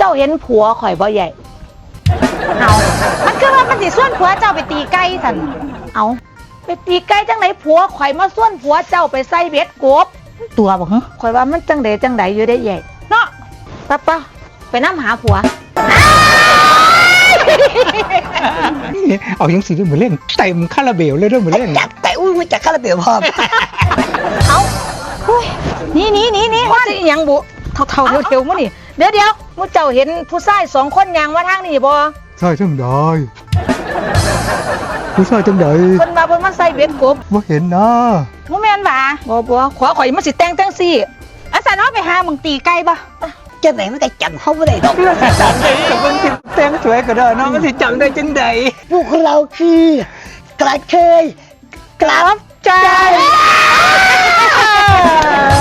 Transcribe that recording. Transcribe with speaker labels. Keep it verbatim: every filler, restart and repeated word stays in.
Speaker 1: จ้าเห็นผัวข่อยบ่ใหญ่เอามันคือว่ามันสิส่วนผัวเจ้าไปตีไก่สันเอาไปตีไก่จังไหนผัวข่อยมาส่วนผัวเจ้าไปใส่เบ็ดกบตัวบ่ฮะข่อยว่ามันจังไดจังไดอยู่ได้ใหญ่เนาะป้าป้าไปน้ำหาผัว
Speaker 2: เอายังสีเรื่องเหมือนเล่นเต็มคาราเบลเลยเรื่องเหมือนเล่น
Speaker 3: จับแต่อุ้ยจากคาราเบลพร้อม
Speaker 1: เอานี่นี่นี่นี่ว่าสิยังบุเท่าเท่าเทียวๆมั้งนี่เดี๋ยวเดี๋ยวมุเจ้าเห็นผู้ชายสองคนยางมาทางนี่บ่
Speaker 2: ใช่จังได้ผู้ชายจังได
Speaker 1: เพิ่นมาเพิ่นมาใส่เบ็ดกบ
Speaker 2: ว่าเห็นนะ
Speaker 1: บ่แม่นบ่บ่บ่ขวาข่อยมันสิแต่งจังซี่อาสาเนาะไปหามึงตีไก่บ่
Speaker 3: จะไหนมันได้จังเขาไม่ได้ดอก
Speaker 2: เรื่องสิจังได้กับมันสิแต่งสวยก็ได้เนาะมันสิจังได้จังได
Speaker 3: พวกเราคือกระเทยกลับใจ